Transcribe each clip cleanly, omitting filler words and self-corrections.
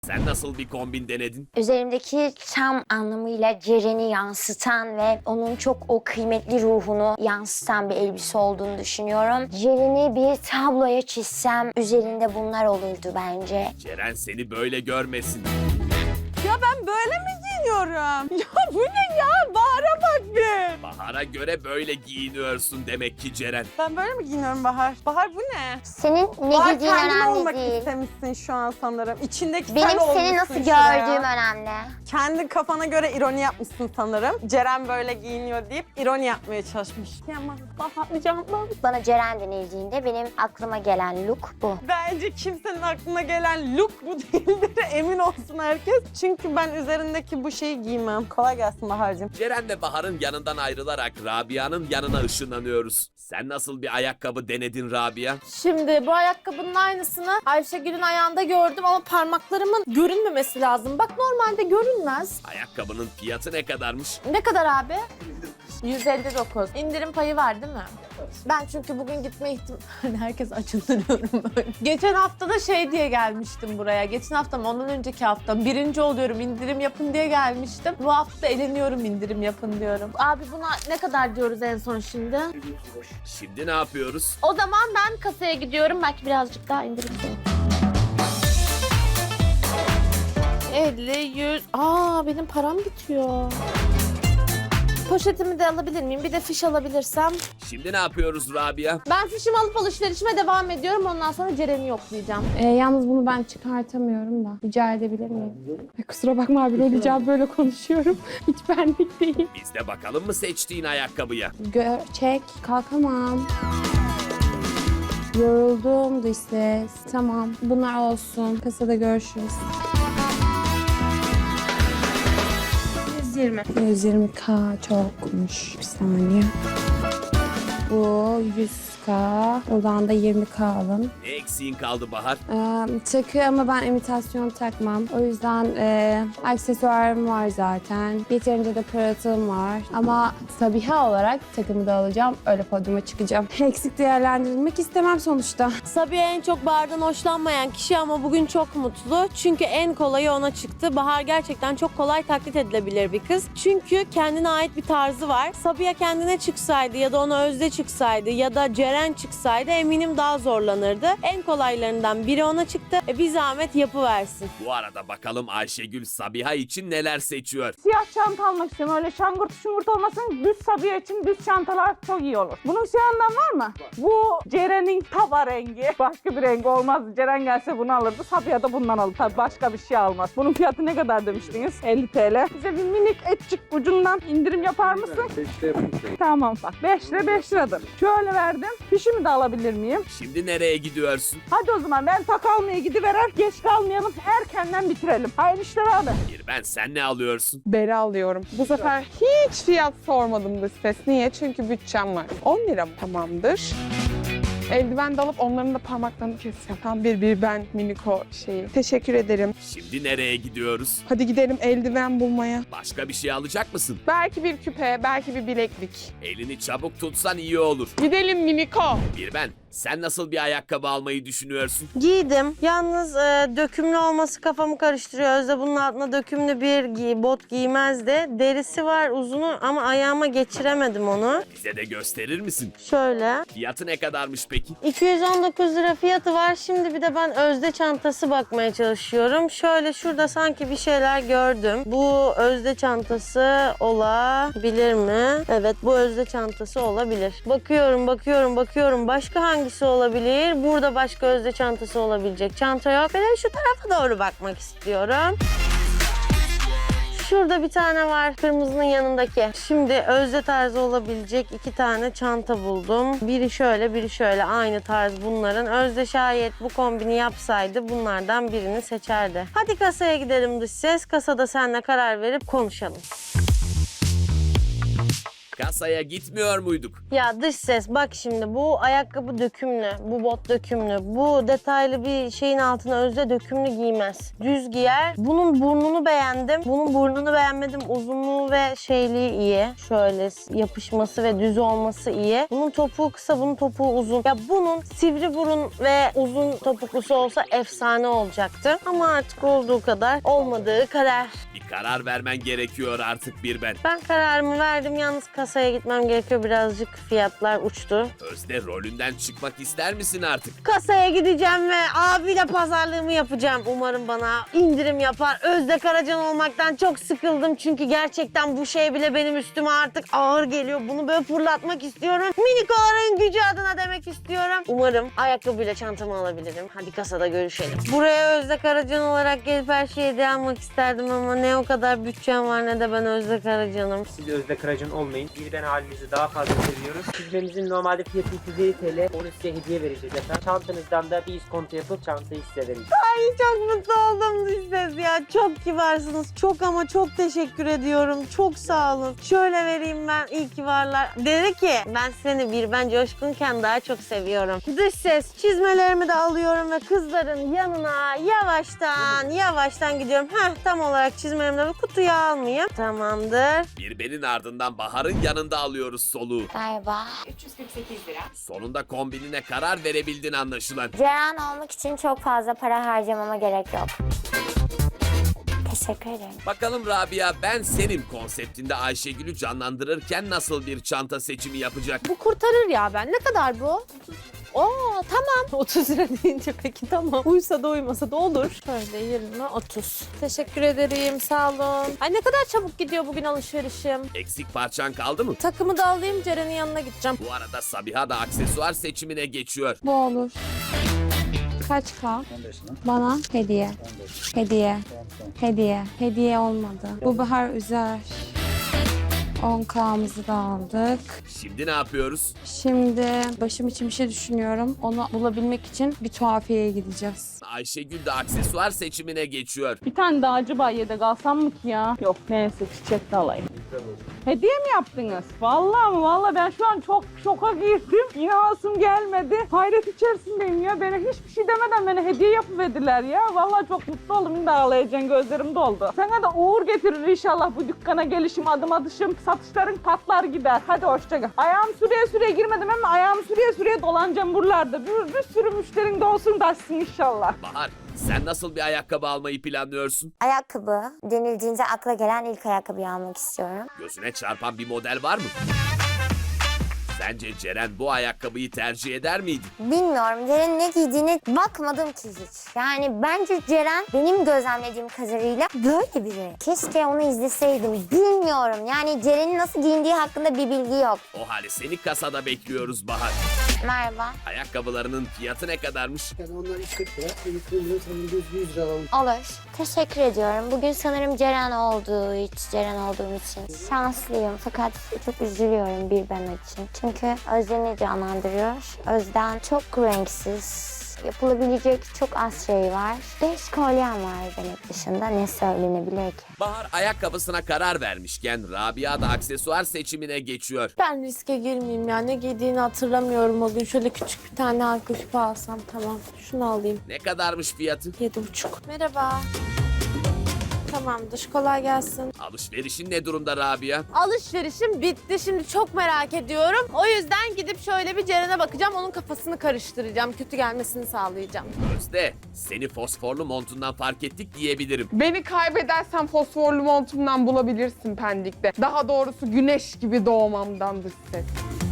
Sen nasıl bir kombin denedin? Üzerimdeki tam anlamıyla Ceren'i yansıtan ve onun çok o kıymetli ruhunu yansıtan bir elbise olduğunu düşünüyorum. Ceren'i bir tabloya çizsem üzerinde bunlar olurdu bence. Ceren seni böyle görmesin. Ya ben böyle mi giyiniyorum? Ya bu ne ya? Bahar'a bak bir. Bahar'a göre böyle giyiniyorsun demek ki Ceren. Ben böyle mi giyiniyorum Bahar? Bahar bu ne? Senin ne Bahar giydiğin kendin önemli olmak değil. istemişsin şu an sanırım. İçindeki Benim sen seni olmuşsun nasıl şuraya. gördüğüm önemli. Kendi kafana göre ironi yapmışsın sanırım. Ceren böyle giyiniyor deyip ironi yapmaya çalışmış. Yaman Bahar canım. Bana Ceren denildiğinde benim aklıma gelen look bu. Bence kimsenin aklına gelen look bu değildir. Emin olsun herkes. Çünkü ben üzerindeki bu şeyi giymem. Kolay gelsin Bahar'cığım. Ceren ve Bahar'ın yanından ayrılarak Rabia'nın yanına ışınlanıyoruz. Sen nasıl bir ayakkabı denedin Rabia? Şimdi bu ayakkabının aynısını Ayşegül'ün ayağında gördüm ama parmaklarımın görünmemesi lazım. Bak normalde görünmez. Ayakkabının fiyatı ne kadarmış? Ne kadar abi? 159. İndirim payı var değil mi? Ben çünkü bugün gitme ihtimali herkes açındırıyorum böyle. Geçen hafta da şey diye gelmiştim buraya. Geçen hafta mı ondan önceki hafta birinci oluyorum indirim yapın diye gelmiştim. Bu hafta eleniyorum indirim yapın diyorum. Abi buna ne kadar diyoruz en son şimdi? Şimdi ne yapıyoruz? O zaman ben kasaya gidiyorum. Belki birazcık daha indirim olur. 50, 100... benim param bitiyor. Poşetimi de alabilir miyim? Bir de fiş alabilirsem. Şimdi ne yapıyoruz Rabia? Ben fişimi alıp alışverişime devam ediyorum. Ondan sonra Ceren'i yoklayacağım. Yalnız bunu ben çıkartamıyorum da. Rica edebilir miyim? Kusura bakma abi, rol icabı böyle konuşuyorum. Hiç benlik değil. Biz de bakalım mı seçtiğin ayakkabıya? Çek, kalkamam. Yoruldum dış ses. Tamam, bunlar olsun. Kasada görüşürüz. 120. 120K çokmuş. Bir saniye. Bu 100K. Oradan da 20K alın. Ne eksiğin kaldı Bahar? Takı ama ben imitasyon takmam. O yüzden aksesuarım var zaten. Yeterince de pırıltım var. Ama Sabiha olarak takımı da alacağım. Öyle podyuma çıkacağım. Eksik değerlendirilmek istemem sonuçta. Sabiha en çok Bahar'dan hoşlanmayan kişi ama bugün çok mutlu. Çünkü en kolayı ona çıktı. Bahar gerçekten çok kolay taklit edilebilir bir kız. Çünkü kendine ait bir tarzı var. Sabiha kendine çıksaydı ya da ona Özde çıksaydı ya da Ceren çıksaydı eminim daha zorlanırdı. En kolaylarından biri ona çıktı. Bir zahmet yapıversin. Bu arada bakalım Ayşegül Sabiha için neler seçiyor? Siyah çanta almak istiyorum. Öyle şangırt şungurt olmasın. Düz Sabiha için düz çantalar çok iyi olur. Bunun siyahından var mı? Bu Ceren'in taba rengi. Başka bir rengi olmaz. Ceren gelse bunu alırdı. Sabiha da bundan alır. Tabii başka bir şey almaz. Bunun fiyatı ne kadar demiştiniz? 50 TL. Bize bir minik etçik ucundan indirim yapar mısın? 5'te yapın. Tamam bak. 5 lira 5 liradır. Şöyle verdim. Fişimi de alabilir miyim? Şimdi nereye gidiyorsun? Hadi o zaman ben tak almaya gidiverer. Geç kalmayalım. Erkenden bitirelim. Hayırlı işler abi. Bir ben sen ne alıyorsun? Beri alıyorum. Bu sefer hiç fiyat sormadım dış ses. Niye? Çünkü bütçem var. 10 lira mı? Tamamdır. Eldiven de alıp onların da parmaklarını keseceğim. Tam bir ben miniko şeyi. Teşekkür ederim. Şimdi nereye gidiyoruz? Hadi gidelim eldiven bulmaya. Başka bir şey alacak mısın? Belki bir küpe, belki bir bileklik. Elini çabuk tutsan iyi olur. Gidelim miniko. Bir ben sen nasıl bir ayakkabı almayı düşünüyorsun? Giydim. Yalnız dökümlü olması kafamı karıştırıyor. Özde bunun altına dökümlü bir bot giymezdi. Derisi var uzunu ama ayağıma geçiremedim onu. Bize de gösterir misin? Şöyle. Fiyatı ne kadarmış peki? 219 lira fiyatı var. Şimdi bir de ben Özde çantası bakmaya çalışıyorum. Şöyle şurada sanki bir şeyler gördüm. Bu Özde çantası olabilir mi? Evet, bu Özde çantası olabilir. Bakıyorum. Başka hangisi olabilir? Burada başka Özde çantası olabilecek çanta yok. Ben şu tarafa doğru bakmak istiyorum. Şurada bir tane var, kırmızının yanındaki. Şimdi Özde tarzı olabilecek 2 tane çanta buldum. Biri şöyle, biri şöyle. Aynı tarz bunların. Özde şayet bu kombini yapsaydı bunlardan birini seçerdi. Hadi kasaya gidelim dış ses. Kasada seninle karar verip konuşalım. Kasaya gitmiyor muyduk? Ya dış ses bak şimdi bu ayakkabı dökümlü, bu bot dökümlü, bu detaylı bir şeyin altına özde dökümlü giymez. Düz giyer. Bunun burnunu beğendim. Bunun burnunu beğenmedim. Uzunluğu ve şeyliği iyi. Şöyle yapışması ve düz olması iyi. Bunun topuğu kısa, bunun topuğu uzun. Ya bunun sivri burun ve uzun topuklusu olsa efsane olacaktı. Ama artık olduğu kadar, olmadığı kadar. Bir karar vermen gerekiyor artık bir ben. Ben kararımı verdim. Yalnız kasaya gitmem gerekiyor. Birazcık fiyatlar uçtu. Özde rolünden çıkmak ister misin artık? Kasaya gideceğim ve abiyle pazarlığımı yapacağım. Umarım bana indirim yapar. Özde Karacan olmaktan çok sıkıldım. Çünkü gerçekten bu şey bile benim üstüme artık ağır geliyor. Bunu böyle fırlatmak istiyorum. Minikoların gücü adına demek istiyorum. Umarım ayakkabıyla çantamı alabilirim. Hadi kasada görüşelim. Buraya Özde Karacan olarak gelip her şeyi hediye almak isterdim ama ne o kadar bütçem var ne de ben Özde Karacan'ım. Siz Özde Karacan olmayın. Bir ben halinizi daha fazla seviyoruz. Çizmemizin normalde fiyatı 250 TL. Onu size hediye vereceğiz efendim. Çantanızdan da bir iskonto yapıp çantayı size vereceğiz. Ay çok mutlu oldum siz ya. Çok kibarsınız. Çok ama çok teşekkür ediyorum. Çok sağ olun. Şöyle vereyim ben. İyi ki varlar. Dedi ki ben seni bir ben coşkunken daha çok seviyorum. Dış ses çizmelerimi de alıyorum ve kızların yanına yavaştan gidiyorum. Tam olarak çizmelerimi de kutuya almayayım. Tamamdır. Bir benin ardından Bahar'ın yanında alıyoruz soluğu. Galiba. Sonunda kombinine karar verebildin anlaşılan. Ceren olmak için çok fazla para harcamama gerek yok. Teşekkür ederim. Bakalım Rabia ben senin konseptinde Ayşegül'ü canlandırırken nasıl bir çanta seçimi yapacak? Bu kurtarır ya ben. Ne kadar bu? Oo tamam. 30 lira deyince peki tamam. Uysa da uymasa da olur. Şöyle 20, 30. Teşekkür ederim. Sağ olun. Ay ne kadar çabuk gidiyor bugün alışverişim. Eksik parçan kaldı mı? Takımı da alayım Ceren'in yanına gideceğim. Bu arada Sabiha da aksesuar seçimine geçiyor. Bu olur. Kaç K? Bana hediye. Hediye. Hediye. Hediye olmadı. Bu bahar üzer. 10K'mızı da aldık. Şimdi ne yapıyoruz? Şimdi başım için bir şey düşünüyorum. Onu bulabilmek için bir tuhafiyeye gideceğiz. Ayşegül de aksesuar seçimine geçiyor. Bir tane daha acaba yedek alsam mı ki ya? Yok neyse çiçek de alayım. Hediye mi yaptınız? Vallahi mi? Vallahi ben şu an çok şoka girdim. İnanasım gelmedi. Hayret içerisindeyim ya. Bana hiçbir şey demeden bana hediye yapıverdiler ya. Vallahi çok mutlu oldum. Şimdi ağlayacağım, gözlerim doldu. Sana da uğur getirir inşallah bu dükkana gelişim, adım atışım. Satışların patlar gider. Hadi hoşça kal. Ayağım süreye girmedim ama ayağımı süreye dolanacağım buralarda. Bir sürü müşterin de olsun taşsın inşallah. Bahar sen nasıl bir ayakkabı almayı planlıyorsun? Ayakkabı denildiğinde akla gelen ilk ayakkabıyı almak istiyorum. Gözüne çarpan bir model var mı? Sence Ceren bu ayakkabıyı tercih eder miydi? Bilmiyorum. Ceren'in ne giydiğine bakmadım ki hiç. Yani bence Ceren benim gözlemlediğim kadarıyla böyle biri. Keşke onu izleseydim. Bilmiyorum. Yani Ceren'in nasıl giyindiği hakkında bir bilgi yok. O halde seni kasada bekliyoruz Bahar. Merhaba. Ayakkabılarının fiyatı ne kadarmış? Yani onlar 140 lira, 140 lira sanırım 100 lira alalım. Olur. Teşekkür ediyorum. Bugün sanırım Ceren olduğum için şanslıyım. Fakat çok üzülüyorum bir ben için. Çünkü Özden'i canlandırıyor. Özden çok renksiz. Yapılabilecek çok az şey var. 5 kolyem var demek dışında ne söylenebilir ki? Bahar ayakkabısına karar vermişken Rabia da aksesuar seçimine geçiyor. Ben riske girmeyeyim ya. Ne giydiğini hatırlamıyorum o gün. Şöyle küçük bir tane halka küpe alsam tamam. Şunu alayım. Ne kadarmış fiyatı? 7,5. Merhaba. Tamamdır. Kolay gelsin. Alışverişin ne durumda Rabia? Alışverişim bitti. Şimdi çok merak ediyorum. O yüzden gidip şöyle bir Ceren'e bakacağım. Onun kafasını karıştıracağım. Kötü gelmesini sağlayacağım. Özde, seni fosforlu montundan fark ettik diyebilirim. Beni kaybedersen fosforlu montumdan bulabilirsin Pendik'te. Daha doğrusu güneş gibi doğmamdandır ses.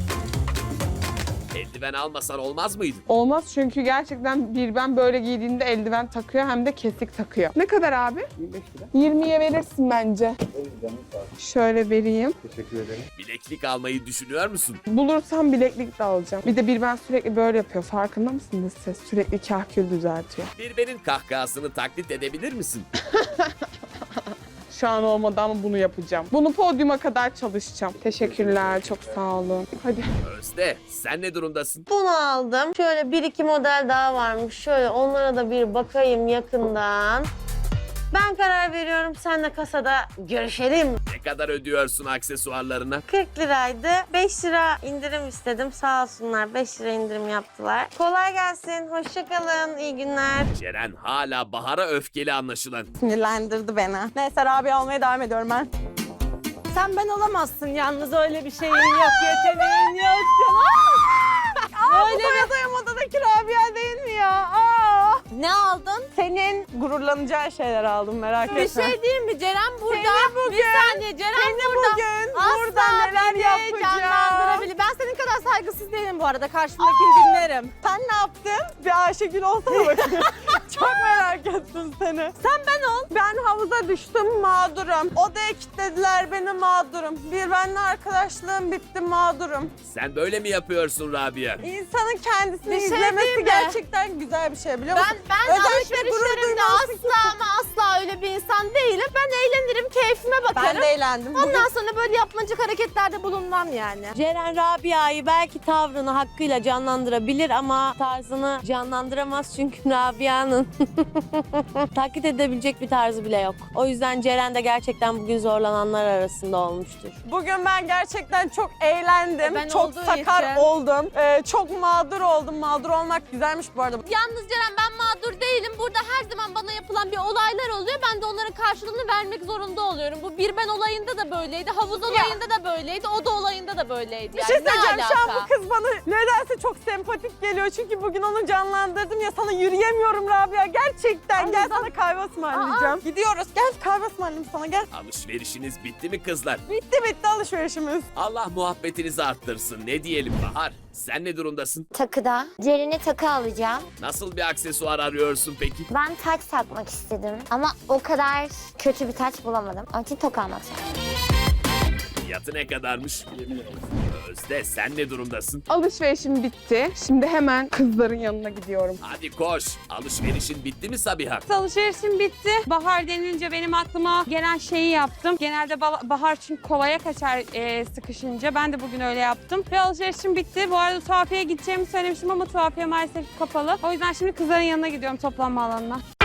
Eldiven almasan olmaz mıydı? Olmaz çünkü gerçekten bir ben böyle giydiğinde eldiven takıyor hem de kesik takıyor. Ne kadar abi? 25 lira. 20'ye verirsin bence. Şöyle vereyim. Teşekkür ederim. Bileklik almayı düşünüyor musun? Bulursam bileklik de alacağım. Bir de bir ben sürekli böyle yapıyor. Farkında mısınız siz? Sürekli kahkül düzeltiyor. Birbenin kahkahasını taklit edebilir misin? Şu an olmadı ama bunu yapacağım. Bunu podyuma kadar çalışacağım. Teşekkürler. Çok sağ olun. Hadi. Özde, sen ne durumdasın? Bunu aldım. Şöyle 1-2 model daha varmış. Şöyle onlara da bir bakayım yakından. Ben karar veriyorum. Senle kasada görüşelim. Ne kadar ödüyorsun aksesuarlarına? 40 liraydı. 5 lira indirim istedim. Sağ olsunlar 5 lira indirim yaptılar. Kolay gelsin. Hoşça kalın. İyi günler. Ceren hala Bahar'a öfkeli anlaşılan. Sinirlendirdi beni. Neyse Rabia olmaya devam ediyorum ben. Sen ben olamazsın yalnız, öyle bir şeyin yok, yeteneğin yok canım. Öyle bir adayım odadaki Rabia değil mi ya? Ne aldın? Senin gururlanacağın şeyler aldım, merak etme. Bir şey diyeyim mi? Ceren burada. bugün- Bir saniye Ceren Seni burada. bugün Asla burada neler beni yapacağım. canlandırabilir. Ben senin kadar saygısız değilim bu arada. Karşımdakini dinlerim. Sen ne yaptın? Bir Ayşegül olsana bakayım. Çok merak ettim seni. Sen ben ol. Ben havuza düştüm, mağdurum. Odaya kilitlediler beni, mağdurum. Bir benimle arkadaşlığım bitti, mağdurum. Sen böyle mi yapıyorsun Rabia? İnsanın kendisini Bir şey izlemesi diyeyim mi? gerçekten güzel bir şey, biliyor musun? Ben Özellikle gurur alışverişlerimde duymalısın asla ama asla öyle bir insan değilim. Ben eğlenirim, keyfime bakarım. Ben de eğlendim. Bugün Ondan sonra böyle yapmacık hareketlerde bulunmam yani. Ceren Rabia'yı belki tavrını hakkıyla canlandırabilir ama tarzını canlandıramaz çünkü Rabia'nın taklit edebilecek bir tarzı bile yok. O yüzden Ceren de gerçekten bugün zorlananlar arasında olmuştur. Bugün ben gerçekten çok eğlendim. Ben çok olduğu sakar için. oldum. Çok mağdur oldum. Mağdur olmak güzelmiş bu arada. Yalnız Ceren ben mağdur değilim. Burada her zaman bana yapılan bir olaylar oluyor. Ben de onların karşılığını vermek zorunda oluyorum. Bu bir ben olayında da böyleydi. Havuz olayında da böyleydi. O da olayında da böyleydi. Bir Yani şey ne söyleyeceğim. Şu an alaka? bu kız bana nedense çok sempatik geliyor. Çünkü bugün onu canlandırdım ya, sana yürüyemiyorum Rabia. Gerçekten. Gel sana kahve ısmarlayacağım. Gidiyoruz. Gel kahve ısmarlayayım sana, gel. Alışverişiniz bitti mi kızlar? Bitti alışverişimiz. Allah muhabbetinizi arttırsın. Ne diyelim Bahar? Sen ne durumdasın? Takıda. Ceren'e takı alacağım. Nasıl bir aksesuar arıyorsun peki? Ben taç takmak istedim ama o kadar kötü bir taç bulamadım. Onun için toka almak istedim. Fiyatı ne kadarmış? Özde sen ne durumdasın? Alışverişim bitti. Şimdi hemen kızların yanına gidiyorum. Hadi koş. Alışverişin bitti mi Sabiha? Alışverişim bitti. Bahar denilince benim aklıma gelen şeyi yaptım. Genelde bahar çünkü kolaya kaçar sıkışınca. Ben de bugün öyle yaptım. Ve alışverişim bitti. Bu arada tuhafiyeye gideceğimi söylemiştim ama tuhafiye maalesef kapalı. O yüzden şimdi kızların yanına gidiyorum, toplanma alanına.